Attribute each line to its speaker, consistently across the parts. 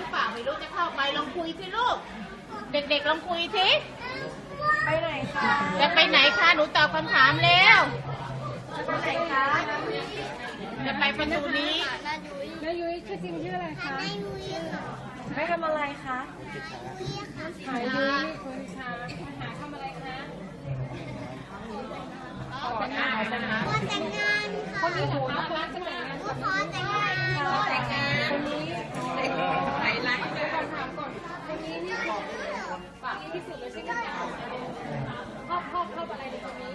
Speaker 1: รือเปล่าไม่รู้จะเข้าไปลองคุยสิลูกเด็กๆลองคุยสิไปไหนคะจะไปไหนคะหนูตอบคำถามแล้วจะไปไหนคะจะไปประตูนี้
Speaker 2: น้ายุ้ยชื่อจริงชื่ออะไรคะน้ายุ้ยไม่ทำอะไรคะหายุ้ยคุณช้างหาทำอะไรคะขอแต่งงานค่ะคนนี้เหรอคะร้านจะแต่งงานขอแต่งงานคนนี้ไหนร้านเดี๋ยวก่อนถามก่อนคนนี้นี่ฝากที่สุดเลยใช่ไหมชอบอะไรในคนนี้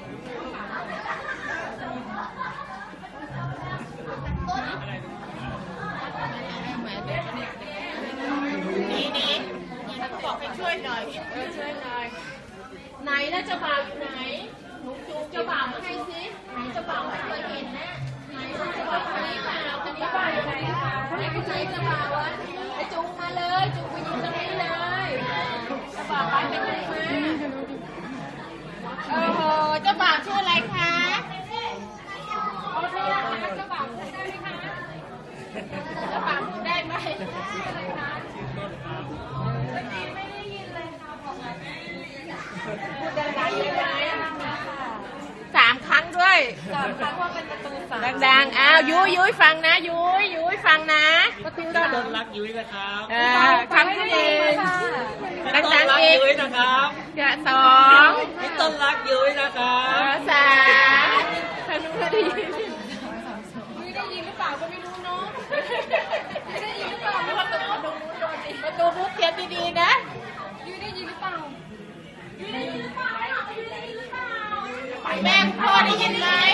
Speaker 1: นี่ฉันบอกให้ช่วยหน่อยช่วยหน่อยไหนแล้วเจ้าบ่าวอยู่ไหนหนูจูงเจ้าบ่าวมาให้สิไหนเจ้าบ่าวไม่เคยเห็นนะไหนเจ้าบ่าวคนนี้เปล่าคนนี้เปล่าอยู่ไหนคะไหนก็ไหนเจ้าบ่าววะไอ้จูงมาเลยจูงไปยืนตรงนี้เลยเจ้าบ่าวไปเป็นไงมาโอ้โหเจ้าบ่าวชื่ออะไรคะ
Speaker 2: โอเคนะคะเจ้าบ่าวพูดได้ไหมคะ
Speaker 1: เจ้าบ่าวพูดได้ไหม
Speaker 2: อะไรคะไม่ได้ยินเลยค่ะบอกหน่อยพูดดังๆเลยนะคะ
Speaker 1: 3 ครั้งด้วย
Speaker 2: 3 ครั้งว่าเป็นประตู3
Speaker 1: ดังๆอ้าวยุ้ยฟังนะยุ้ยฟังนะ
Speaker 2: ประตู
Speaker 3: ต้นรักยุ้ยนะครับ
Speaker 1: ครั้งที่1ดังๆอีก
Speaker 3: ยุ้ยนะครับ
Speaker 1: 2
Speaker 3: พี่ต้นรักยุ้ยนะครับ
Speaker 1: 3ท่านรู้ได้ยิน
Speaker 2: ไม่ได้ยินหรือเปล่าก็ไม่รู้เนาะไม่ได้ยินหรือเปล่าไม่ว่า
Speaker 1: ประตูพูดเสียงดีๆนะ
Speaker 2: ยุ้ยได้ยินหรือเปล่ายุ้ยได้ยินหรือเปล่ายุ้ยได้ยินหรือเปล่า
Speaker 1: แม่พ่อได้ยินไหม